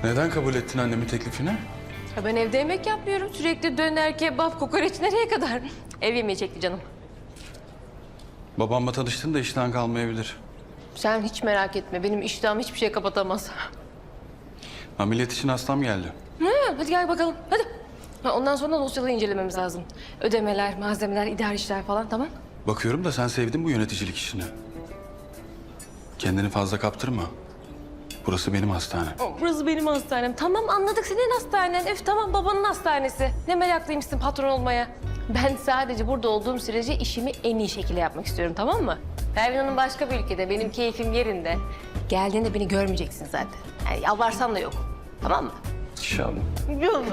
Neden kabul ettin annemin teklifini? Ya ben evde yemek yapmıyorum. Sürekli döner, kebap, kokoreç nereye kadar? Ev yemeği çekti canım. Babamla tanıştın da işten kalmayabilir. Sen hiç merak etme. Benim iştahım hiçbir şey kapatamaz. Ameliyat için hastam geldi. Hadi gel bakalım. Hadi. Ondan sonra dosyaları incelememiz lazım. Ödemeler, malzemeler, idari işler falan, tamam? Bakıyorum da sen sevdin bu yöneticilik işini. Kendini fazla kaptırma. Burası benim hastanem. Burası benim hastanem. Tamam, anladık, senin hastanen. Öf, tamam, babanın hastanesi. Ne meraklıymışsın patron olmaya. Ben sadece burada olduğum sürece işimi en iyi şekilde yapmak istiyorum, tamam mı? Pervin Hanım başka bir ülkede, benim keyfim yerinde. Geldiğinde beni görmeyeceksin zaten. Yani yalvarsan da yok. Tamam mı? İnşallah. Yok.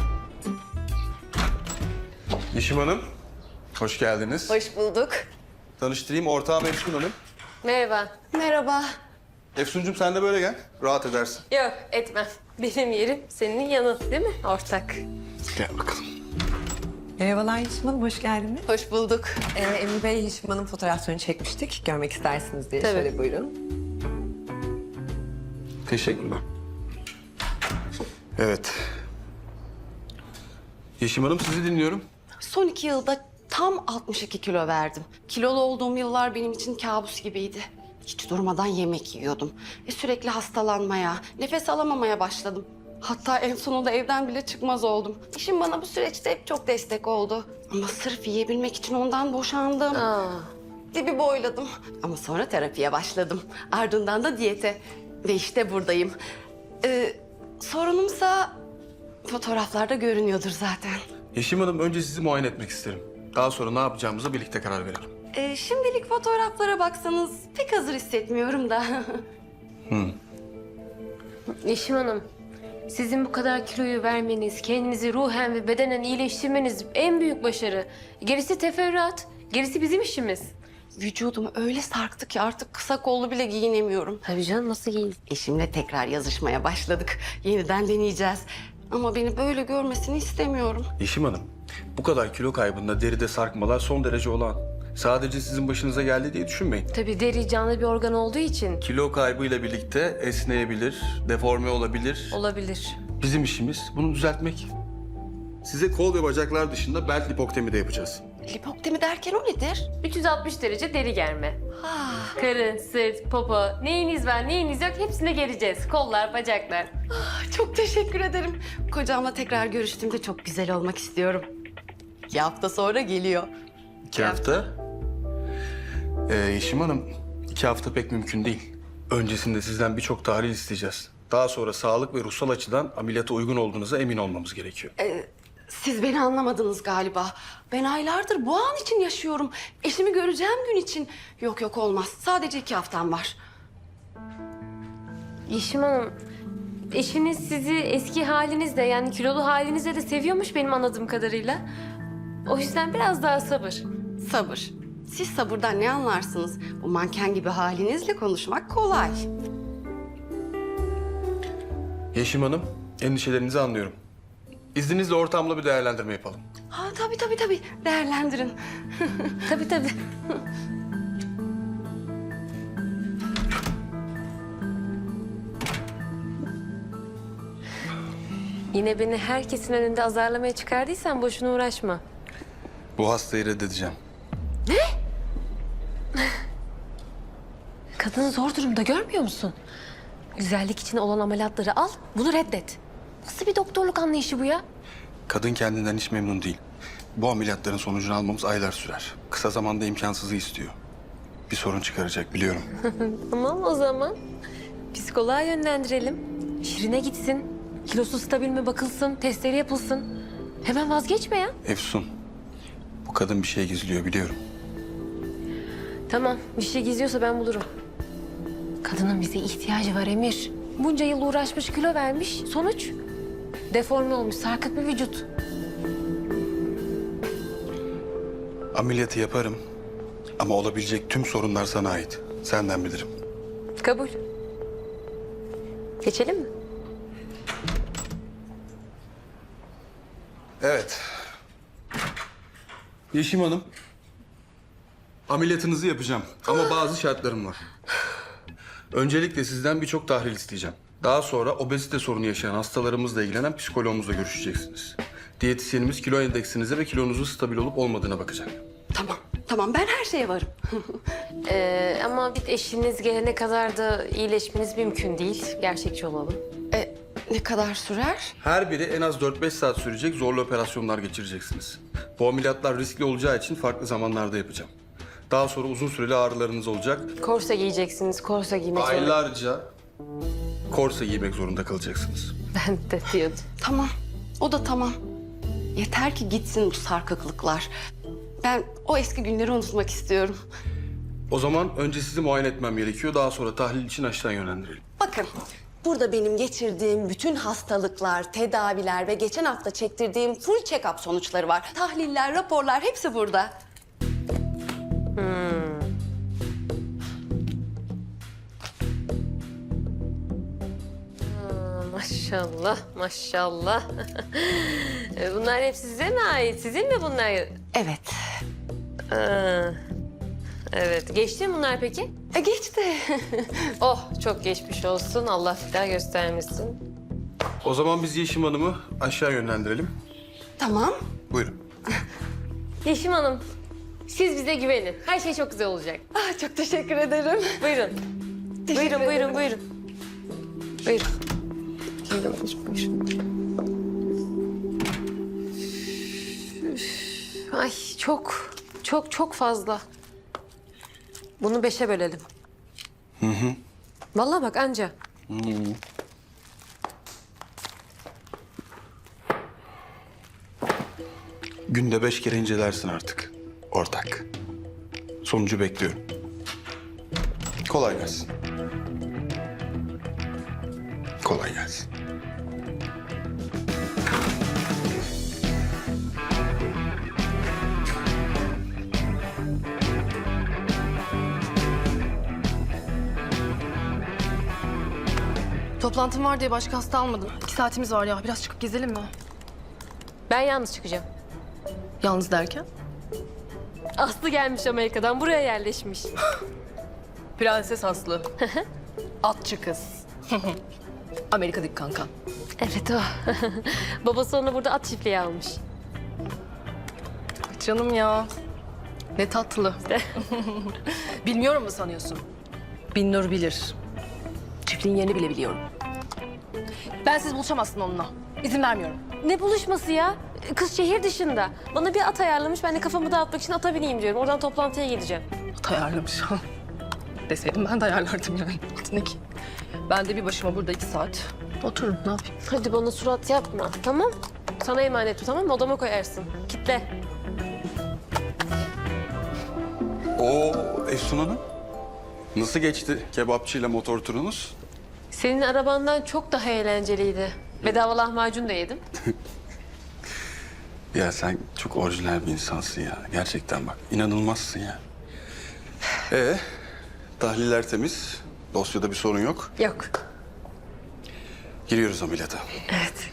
Yeşim Hanım, hoş geldiniz. Hoş bulduk. Tanıştırayım, ortağım Efsun Hanım. Merhaba. Merhaba. Efsuncuğum sen de böyle gel, rahat edersin. Yok, etmem. Benim yerim senin yanın, değil mi ortak? Gel bakalım. Merhabalar Yeşim Hanım, hoş geldiniz. Hoş bulduk. Emre Bey, Yeşim Hanım fotoğraflarını çekmiştik. Görmek istersiniz diye. Tabii. Şöyle buyurun. Teşekkürler. Evet. Yeşim Hanım sizi dinliyorum. Son 2 yılda tam 62 kilo verdim. Kilolu olduğum yıllar benim için kabus gibiydi. Hiç durmadan yemek yiyordum. Sürekli hastalanmaya, nefes alamamaya başladım. Hatta en sonunda evden bile çıkmaz oldum. Eşim bana bu süreçte hep çok destek oldu. Ama sırf yiyebilmek için ondan boşandım. Dibi boyladım. Ama sonra terapiye başladım. Ardından da diyete. Ve işte buradayım. Sorunumsa fotoğraflarda görünüyordur zaten. Yeşim Hanım önce sizi muayene etmek isterim. Daha sonra ne yapacağımıza birlikte karar verelim. Şimdilik fotoğraflara baksanız pek hazır hissetmiyorum da. Yeşim Hanım, sizin bu kadar kiloyu vermeniz, kendinizi ruhen ve bedenen iyileştirmeniz en büyük başarı. Gerisi teferruat, gerisi bizim işimiz. Vücudumu öyle sarktı ki artık kısa kollu bile giyinemiyorum. Tabii canım, nasıl giyin? Eşimle tekrar yazışmaya başladık. Yeniden deneyeceğiz. Ama beni böyle görmesini istemiyorum. Yeşim Hanım, bu kadar kilo kaybında deride sarkmalar son derece olağan. Sadece sizin başınıza geldi diye düşünmeyin. Tabii deri canlı bir organ olduğu için Kilo kaybıyla birlikte esneyebilir, deforme olabilir. olabilir. Bizim işimiz bunu düzeltmek. Size kol ve bacaklar dışında bel lipoktemi de yapacağız. Lipoktemi derken o nedir? 360 derece deri germe. Karın, sırt, popo, neyiniz var, neyiniz yok hepsine geleceğiz. Kollar, bacaklar. Çok teşekkür ederim. Kocamla tekrar görüştüğümde çok güzel olmak istiyorum. 2 hafta sonra geliyor. 2 hafta. Yeşim Hanım, 2 hafta pek mümkün değil. Öncesinde sizden birçok tahlil isteyeceğiz. Daha sonra sağlık ve ruhsal açıdan ameliyata uygun olduğunuza emin olmamız gerekiyor. Siz beni anlamadınız galiba. Ben aylardır bu an için yaşıyorum. Eşimi göreceğim gün için. Yok olmaz. Sadece 2 haftam var. Yeşim Hanım, eşiniz sizi eski halinizle yani kilolu halinizle de seviyormuş benim anladığım kadarıyla. O yüzden biraz daha sabır. Sabır. Siz sabırdan ne anlarsınız? Bu manken gibi halinizle konuşmak kolay. Yeşim Hanım, endişelerinizi anlıyorum. İzninizle ortamla bir değerlendirme yapalım. Ha tabii. Değerlendirin. Tabii. Yine beni herkesin önünde azarlamaya çıkardıysan boşuna uğraşma. Bu hastayı reddedeceğim. Kadın zor durumda, görmüyor musun? Güzellik için olan ameliyatları al, bunu reddet. Nasıl bir doktorluk anlayışı bu ya? Kadın kendinden hiç memnun değil. Bu ameliyatların sonucunu almamız aylar sürer. Kısa zamanda imkansızı istiyor. Bir sorun çıkaracak biliyorum. Tamam o zaman. Psikoloğa yönlendirelim. Şirine gitsin. Kilosu stabil mi bakılsın, testleri yapılsın. Hemen vazgeçme ya. Efsun, bu kadın bir şey gizliyor biliyorum. Tamam, bir şey gizliyorsa ben bulurum. Kadının bize ihtiyacı var Emir. Bunca yıl uğraşmış, kilo vermiş. Sonuç? Deforme olmuş, sarkık bir vücut. Ameliyatı yaparım ama olabilecek tüm sorunlar sana ait. Senden bilirim. Kabul. Geçelim mi? Evet. Yeşim Hanım, ameliyatınızı yapacağım ama bazı şartlarım var. Öncelikle sizden birçok tahlil isteyeceğim. Daha sonra obezite sorunu yaşayan hastalarımızla ilgilenen psikologumuzla görüşeceksiniz. Diyetisyenimiz kilo endeksinize ve kilonuzun stabil olup olmadığına bakacak. Tamam ben her şeye varım. Ama bir eşiniz gelene kadar da iyileşmeniz mümkün değil. Gerçekçi olalım. Ne kadar sürer? Her biri en az 4-5 saat sürecek zorlu operasyonlar geçireceksiniz. Bu ameliyatlar riskli olacağı için farklı zamanlarda yapacağım. Daha sonra uzun süreli ağrılarınız olacak. Korse giyeceksiniz, korse giymek zorunda. Aylarca korse giymek zorunda kalacaksınız. Ben de diyordum. Tamam. O da tamam. Yeter ki gitsin bu sarkıklıklar. Ben o eski günleri unutmak istiyorum. O zaman önce sizi muayene etmem gerekiyor. Daha sonra tahlil için aşağı yönlendirelim. Bakın, burada benim geçirdiğim bütün hastalıklar, tedaviler ve geçen hafta çektirdiğim full check-up sonuçları var. Tahliller, raporlar hepsi burada. Maşallah, maşallah. Bunlar hep size mi ait? Sizin mi bunlar? Evet. Aa, evet. Geçti mi bunlar peki? Geçti. Oh, çok geçmiş olsun. Allah bir daha göstermesin. O zaman biz Yeşim Hanım'ı aşağı yönlendirelim. Tamam. Buyurun. Yeşim Hanım, siz bize güvenin. Her şey çok güzel olacak. Çok teşekkür ederim. Buyurun. Teşekkür Buyurun, ederim. buyurun. Buyurun. Buyurun. Ay çok fazla. Bunu 5'e bölelim. Vallahi bak anca. Günde 5 kere incelersin artık. Ortak. Sonucu bekliyorum. Kolay gelsin. Kolay gelsin. Toplantım var diye başka hasta almadım. 2 saatimiz var ya. Biraz çıkıp gezelim mi? Ben yalnız çıkacağım. Yalnız derken? Aslı gelmiş Amerika'dan, buraya yerleşmiş. Prenses Aslı. Atçı kız. Amerika'daki kanka. Evet o. Babası onu burada at çiftliği almış. Canım ya. Ne tatlı. Bilmiyorum mu sanıyorsun? Binnur bilir. Çiftliğin yerini bile biliyorum. Ben siz buluşamazsın onunla. İzin vermiyorum. Ne buluşması ya? Kız şehir dışında. Bana bir at ayarlamış, ben de kafamı dağıtmak için ata bineyim diyorum. Oradan toplantıya gideceğim. At ayarlamış. Deseydim ben de ayarlardım yani. At ne ki? Ben de bir başıma burada 2 saat otururum. Ne yapayım? Hadi bana surat yapma, tamam? Sana emanet bu, tamam mı? Odama koyarsın. Kitle. Oo Efsun Hanım. Nasıl geçti kebapçıyla motor turunuz? Senin arabandan çok daha eğlenceliydi. Bedava lahmacun da yedim. Ya sen çok orijinal bir insansın ya. Gerçekten bak inanılmazsın ya. Tahliller temiz. Dosyada bir sorun yok. Yok. Giriyoruz ameliyata. Evet.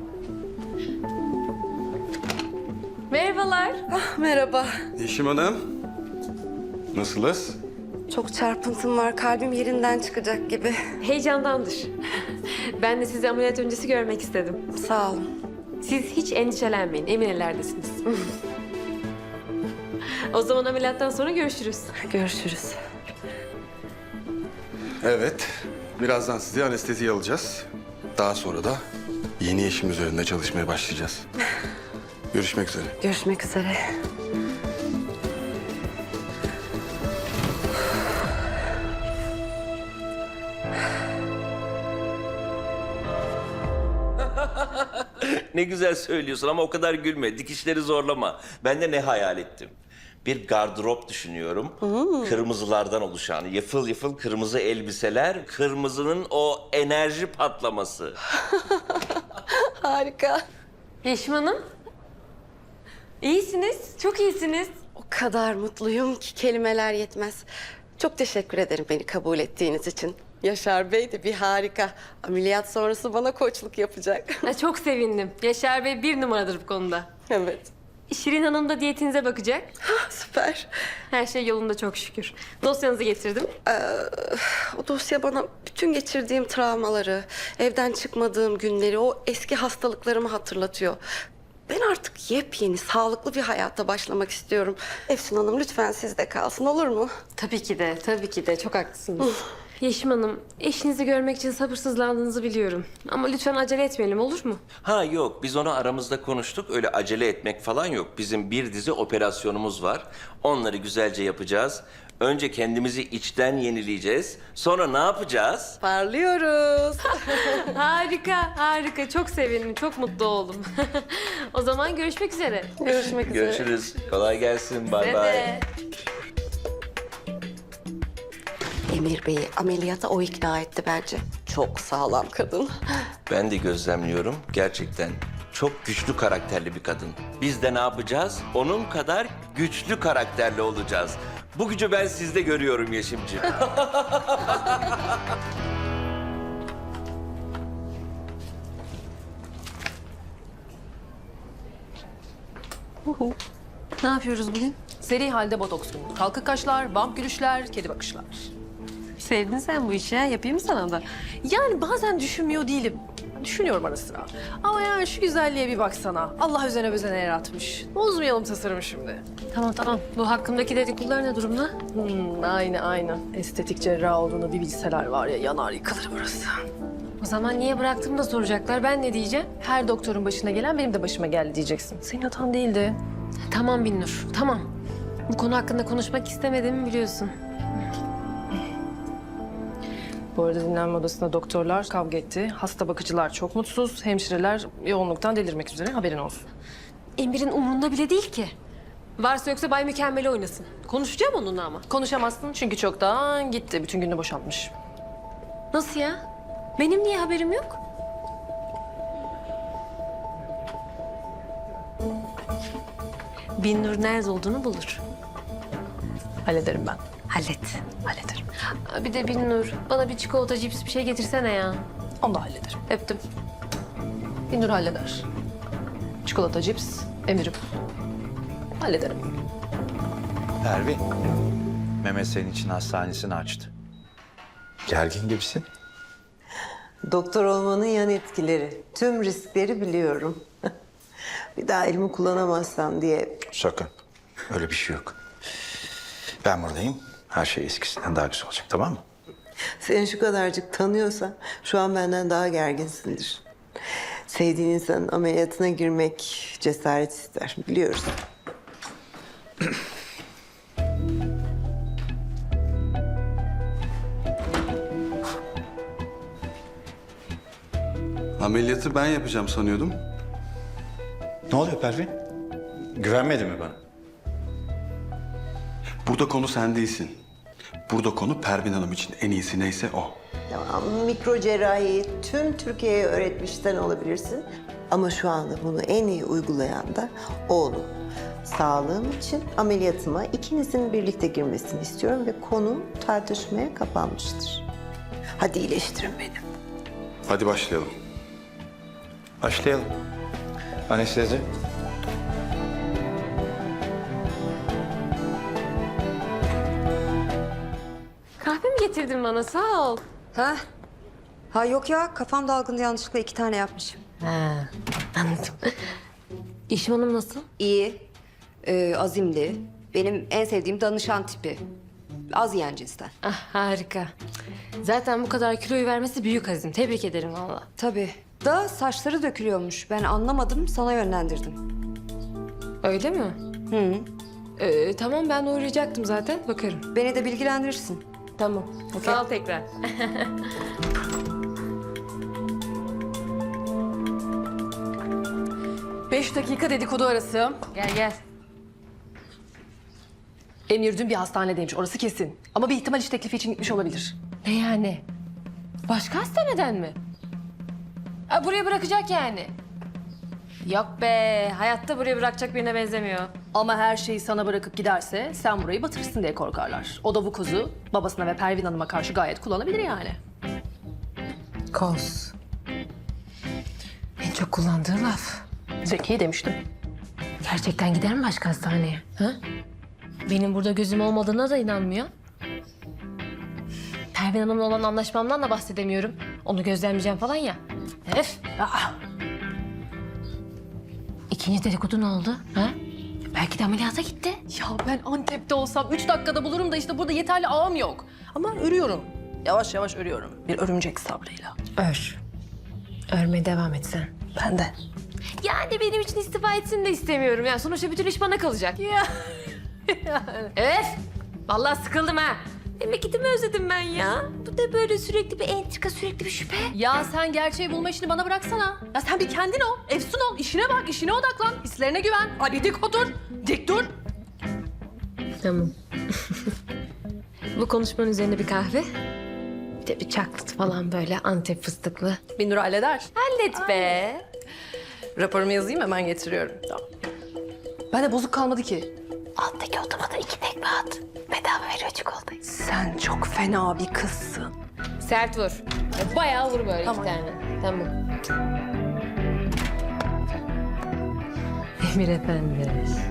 Merhabalar. Merhaba. Yeşim Hanım. Nasılız? Çok çarpıntım var. Kalbim yerinden çıkacak gibi. Heyecandandır. Ben de sizi ameliyat öncesi görmek istedim. Sağ olun. Siz hiç endişelenmeyin, emin ellerdesiniz. O zaman ameliyattan sonra görüşürüz. Görüşürüz. Evet. Birazdan sizi anesteziye alacağız. Daha sonra da yeni Yeşim üzerinde çalışmaya başlayacağız. Görüşmek üzere. Görüşmek üzere. Ne güzel söylüyorsun ama o kadar gülme. Dikişleri zorlama. Ben de ne hayal ettim? Bir gardırop düşünüyorum. Kırmızılardan oluşan, yıfıl yıfıl kırmızı elbiseler, kırmızının o enerji patlaması. Harika. Yeşim Hanım. İyisiniz, çok iyisiniz. O kadar mutluyum ki kelimeler yetmez. Çok teşekkür ederim beni kabul ettiğiniz için. Yaşar Bey de bir harika. Ameliyat sonrası bana koçluk yapacak. Çok sevindim. Yaşar Bey 1 numaradır bu konuda. Evet. Şirin Hanım da diyetinize bakacak. Süper. Her şey yolunda çok şükür. Dosyanızı getirdim. O dosya bana bütün geçirdiğim travmaları, evden çıkmadığım günleri, o eski hastalıklarımı hatırlatıyor. Ben artık yepyeni, sağlıklı bir hayata başlamak istiyorum. Efsun Hanım lütfen sizde kalsın, olur mu? Tabii ki de, tabii ki de. Çok haklısınız. Yeşim Hanım, eşinizi görmek için sabırsızlandığınızı biliyorum. Ama lütfen acele etmeyelim, olur mu? Ha yok, biz onu aramızda konuştuk. Öyle acele etmek falan yok. Bizim bir dizi operasyonumuz var. Onları güzelce yapacağız. Önce kendimizi içten yenileyeceğiz. Sonra ne yapacağız? Parlıyoruz. Harika, harika. Çok sevindim, çok mutlu oldum. O zaman görüşmek üzere. Görüşmek üzere. Görüşürüz. Kolay gelsin. Bay Size bay. de. Emir Bey'i ameliyata o ikna etti bence. Çok sağlam kadın. Ben de gözlemliyorum. Gerçekten çok güçlü karakterli bir kadın. Biz de ne yapacağız? Onun kadar güçlü karakterli olacağız. Bu gücü ben sizde görüyorum Yeşimciğim. Ne yapıyoruz bugün? Seri halde botoks günü. Kalkık kaşlar, bump gülüşler, kedi bakışlar. Sevdin sen bu işi ha. Yapayım mı sana da? Yani bazen düşünmüyor değilim. Düşünüyorum ara sıra. Ama yani şu güzelliğe bir baksana. Allah özene bezene yaratmış. Bozmayalım tasarımı şimdi. Tamam tamam. Bu hakkımdaki dedikodular ne durumda? Aynı. Estetik cerrah olduğunu bir bilseler var ya, yanar yıkılır burası. O zaman niye bıraktım da soracaklar. Ben ne diyeceğim? Her doktorun başına gelen benim de başıma geldi diyeceksin. Senin hatan değildi. Tamam Binnur, tamam. Bu konu hakkında konuşmak istemediğimi biliyorsun. Bu arada dinlenme odasında doktorlar kavga etti. Hasta bakıcılar çok mutsuz. Hemşireler yoğunluktan delirmek üzere, haberin olsun. Emir'in umurunda bile değil ki. Varsa yoksa Bay Mükemmel oynasın. Konuşacağım onunla ama. Konuşamazsın çünkü çoktan gitti. Bütün gününü boşaltmış. Nasıl ya? Benim niye haberim yok? Binnur nerede olduğunu bulur. Hallederim ben. Hallet. Hallederim. Aa, bir de Binnur, bana bir çikolata, cips bir şey getirsene ya. Onu da hallederim. Öptüm. Binur halleder. Çikolata, cips, emirim. Hallederim. Pervin, Mehmet senin için hastanesini açtı. Gergin gibisin. Doktor olmanın yan etkileri. Tüm riskleri biliyorum. Bir daha elimi kullanamazsam diye. Sakın. Öyle bir şey yok. Ben buradayım. Her şey eskisinden daha güzel olacak, tamam mı? Seni şu kadarcık tanıyorsam şu an benden daha gerginsindir. Sevdiğin insanın ameliyatına girmek cesaret ister. Biliyoruz. Ameliyatı ben yapacağım sanıyordum. Ne oluyor Pervin? Güvenmedi mi bana? Burada konu sen değilsin. Burada konu Pervin Hanım için en iyisi neyse o. Tamam, mikro cerrahiyi tüm Türkiye'ye öğretmiş sen olabilirsin. Ama şu anda bunu en iyi uygulayan da oğlum. Sağlığım için ameliyatıma ikinizin birlikte girmesini istiyorum ve konu tartışmaya kapanmıştır. Hadi iyileştirin beni. Hadi başlayalım. Başlayalım. Anestezi. Kahve mi getirdin bana? Sağ ol. Ha? Ha yok ya, kafam dalgındı, yanlışlıkla 2 tane yapmışım. Ha, anladım. Yeşim Hanım nasıl? İyi, azimli. Benim en sevdiğim danışan tipi. Az yiyen cinsten. Ah harika. Zaten bu kadar kiloyu vermesi büyük azim. Tebrik ederim valla. Tabii. Da saçları dökülüyormuş. Ben anlamadım, sana yönlendirdim. Öyle mi? Tamam ben uğrayacaktım zaten. Bakarım. Beni de bilgilendirirsin. Tamam. Sağ ol tekrar. Beş dakika dedikodu arası. Gel gel. Emir dün bir hastanedeymiş, orası kesin. Ama bir ihtimal iş teklifi için gitmiş olabilir. Ne yani? Başka hastaneden mi? Ha, buraya bırakacak yani. Yok be. Hayatta buraya bırakacak birine benzemiyor. Ama her şeyi sana bırakıp giderse sen burayı batırırsın diye korkarlar. O da bu kozu babasına ve Pervin Hanım'a karşı gayet kullanabilir yani. Koz. En çok kullandığı laf. Zeki demiştim. Gerçekten gider mi başka hastaneye? Ha? Benim burada gözüm olmadığına da inanmıyor. Pervin Hanım'la olan anlaşmamdan da bahsedemiyorum. Onu gözlemleyeceğim falan ya. Öf! Aa! İkinci dedikodu ne oldu? Ha? Belki de ameliyata gitti. Ya ben Antep'te olsam 3 dakikada bulurum da işte burada yeterli ağım yok. Ama örüyorum. Yavaş yavaş örüyorum. Bir örümcek sabrıyla. Ör. Örmeye devam et sen. Ben de. Yani benim için istifa etsin de istemiyorum. Yani sonuçta bütün iş bana kalacak. Ya. Evet. Vallahi sıkıldım ha. Memleketimi özledim ben ya. Bu da böyle sürekli bir entrika, sürekli bir şüphe. Ya sen gerçeği bulma işini bana bıraksana. Ya sen bir kendin ol, efsun ol, işine bak, işine odaklan. Hislerine güven. Hadi dik otur, dik dur. Tamam. Bu konuşmanın üzerine bir kahve. Bir de bir çaklıt falan böyle Antep fıstıklı. Binur halleder. Hallet be. Raporumu yazayım hemen getiriyorum. Tamam. Ben de bozuk kalmadı ki. Alttaki otomata 2 tekme at. Bedava veriyor çikolatayı. Sen çok fena bir kızsın. Sert vur. Bayağı vur böyle Tamam. 2 tane. Tamam. Emir Efendi.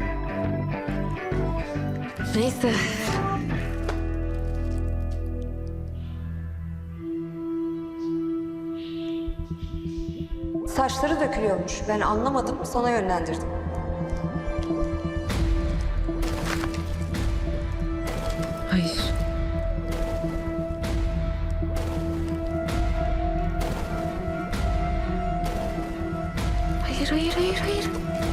Neyse. Saçları dökülüyormuş. Ben anlamadım, sana yönlendirdim. Hayır. Hayır.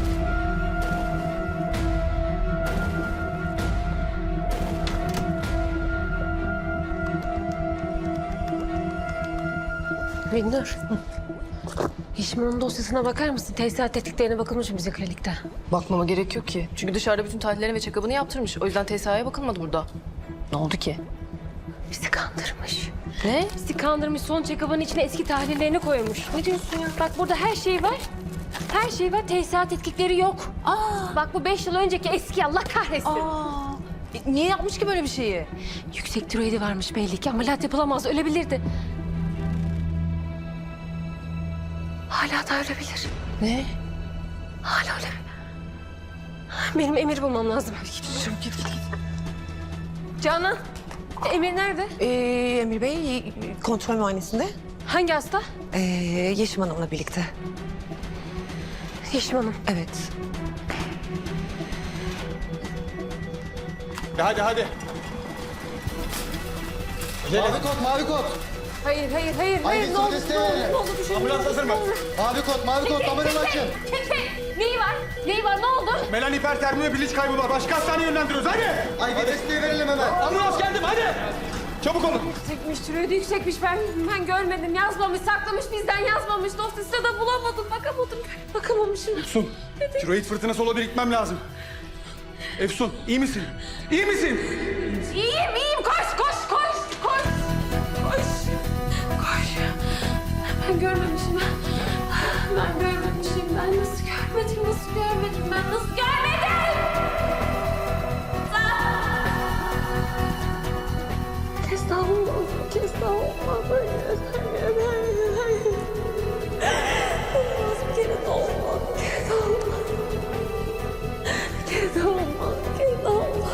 Binnur. Yeşim'in dosyasına bakar mısın? Tesisat tetkiklerine bakılmış mı bize klinikte? Bakmama gerek yok ki. Çünkü dışarıda bütün tahlillerini ve check-up'ını yaptırmış. O yüzden TSA'ya bakılmadı burada. Ne oldu ki? Bizi kandırmış. Ne? Bizi kandırmış, son check-up'ın içine eski tahlillerini koymuş. Ne diyorsun ya? Bak burada her şey var. Her şey var, tesisat tetkikleri yok. Bak bu 5 yıl önceki eski, Allah kahretsin. Niye yapmış ki böyle bir şeyi? Yüksek tiroidi varmış belli ki, ameliyat yapılamaz, ölebilirdi. Hala da ölebilir. Ne? Hala ölebilir. Benim Emir bulmam lazım. Git. Canan, Emir nerede? Emir Bey kontrol muayenesinde. Hangi hasta? Yeşim Hanım'la birlikte. Yeşim Hanım. Evet. Hadi. Mavi kod. Hayır. Hayır, Ne oldu? desteğe. Ne oldu? Bir şey Ambulans hazır mı? Mavi kod, kameranı açın. Neyi var? Ne oldu? Melan hipertermi ve bilinç kaybı var. Başka hastaneye yönlendiriyoruz. Hadi. Ay bir desteği verelim hemen. Ambulans geldim hadi. Çabuk olun. Yüksekmiş, tiroidi yüksekmiş. Ben görmedim. Yazmamış, saklamış, bizden yazmamış. Dosyasında da bulamadım. Bakamamışım. Efsun, tiroid fırtınası olabilir, gitmem lazım. Efsun, iyi misin? İyi misin? İyiyim. Koş. Ben görmemişim. Ben görmemişim. Ben nasıl görmedim? Ben nasıl görmedim? Estağfurullah. Hayır. Olmaz, bir kere de olmaz. Bir kere de olmaz.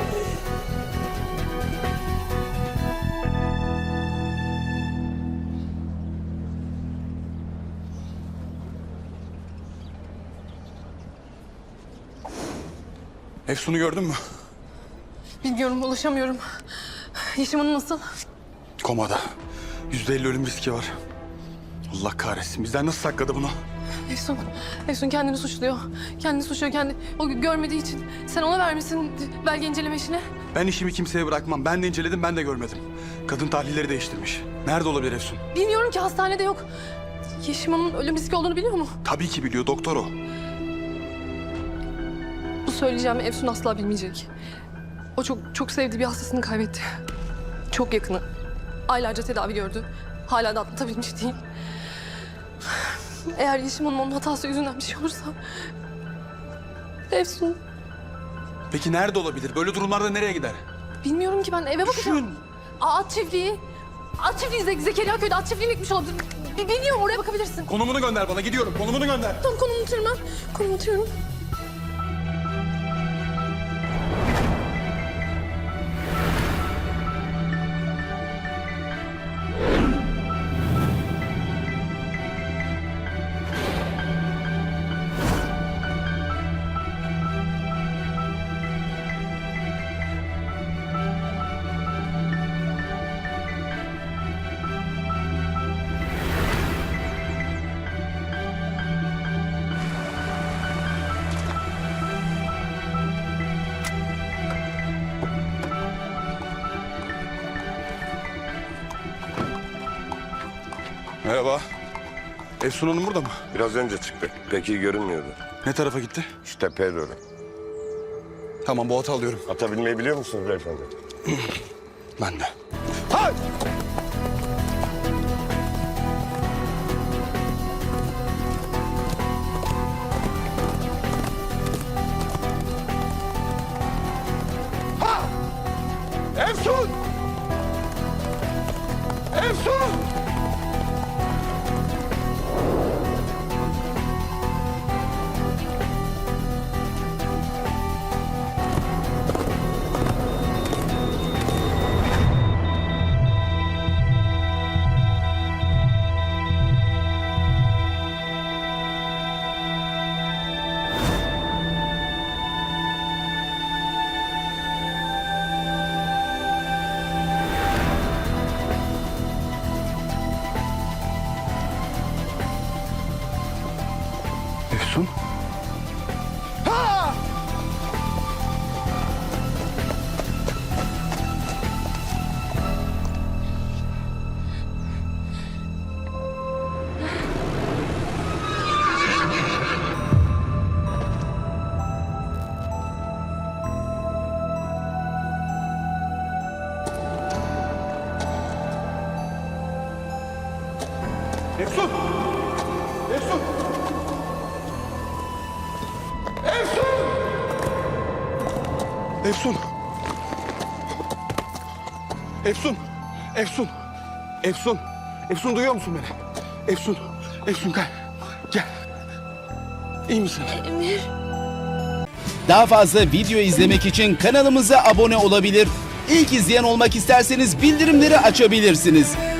Efsun'u gördün mü? Bilmiyorum, ulaşamıyorum. Yeşim Hanım nasıl? Komada. %50 ölüm riski var. Allah kahretsin. Bizden nasıl sakladı bunu? Efsun kendini suçluyor. O görmediği için. Sen ona vermişsin belge inceleme işini. Ben işimi kimseye bırakmam. Ben de inceledim, ben de görmedim. Kadın tahlilleri değiştirmiş. Nerede olabilir Efsun? Bilmiyorum ki, hastanede yok. Yeşim Hanım'ın ölüm riski olduğunu biliyor mu? Tabii ki biliyor, doktor o. Bu söyleyeceğimi Efsun asla bilmeyecek. O çok sevdiği bir hastasını kaybetti. Çok yakını. Aylarca tedavi gördü. Hala da atlatabilmiş değil. Eğer Yeşim Hanım onun hatası yüzünden bir şey olursa... Efsun... Peki nerede olabilir? Böyle durumlarda nereye gider? Bilmiyorum ki, ben eve bakacağım. Düşün. At çiftliği. Zekeriya köyde at çiftliğine gitmiş olabilir. Bilmiyorum, oraya bakabilirsin. Konumunu gönder bana, gidiyorum. Konumunu gönder. Tamam, konumu atıyorum ben. Merhaba. Efsun Hanım burada mı? Biraz önce çıktı. Pek iyi görünmüyordu. Ne tarafa gitti? Şu tepeye doğru. Tamam, bu atı alıyorum. Ata binmeyi biliyor musunuz beyefendi? Ben de. Efsun! Efsun! Efsun? Efsun! Efsun! Efsun! Efsun! Efsun! Efsun! Efsun, duyuyor musun beni? Efsun! Efsun, gel. Gel. İyi misin? Daha fazla video izlemek için kanalımıza abone olabilir. İlk izleyen olmak isterseniz bildirimleri açabilirsiniz.